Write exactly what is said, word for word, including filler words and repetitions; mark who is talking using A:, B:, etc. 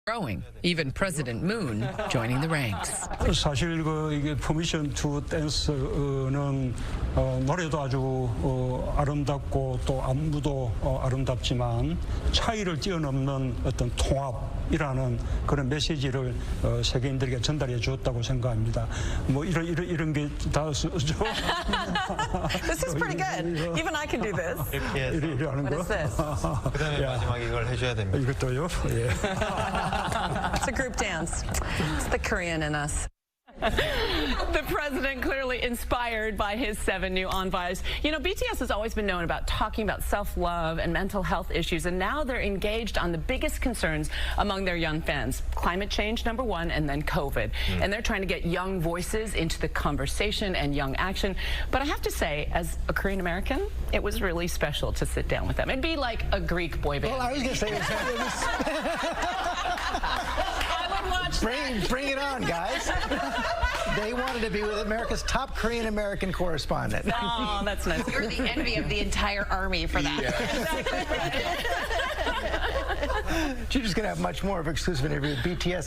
A: growing, even President Moon joining the ranks.
B: 사실 그 이게 퍼미션 투 댄스는 어, 노래도 아주 어, 아름답고 또 안무도 어, 아름답지만 차이를 뛰어넘는 어떤 통합이라는 그런 메시지를 어, 세계인들에게 전달해 주었다고 생각합니다. 뭐 이런 이런 이런 게 다 쓰죠.
C: This is pretty good. Even I can do this.
B: 이래 이래 하는
C: What
B: 거.
C: is this?
D: 그다음에 마지막에 이걸 해줘야 됩니다.
B: 이것도요. 예.
C: It's a group dance. It's the Korean in us.
E: The president clearly inspired by his seven new envoys. You know, B T S has always been known about talking about self-love and mental health issues, and now they're engaged on the biggest concerns among their young fans. Climate change, number one, and then COVID. Mm. And they're trying to get young voices into the conversation and young action. But I have to say, as a Korean American, it was really special to sit down with them. It'd be like a Greek boy band.
F: Well, I was going to say, it was, it was
E: I would watch
F: bring, bring it on, guys. They wanted to be with America's top Korean American correspondent.
E: Oh, that's nice.
G: You're the envy of the entire army for that.
F: She's just going to have much more of exclusive interview with B T S.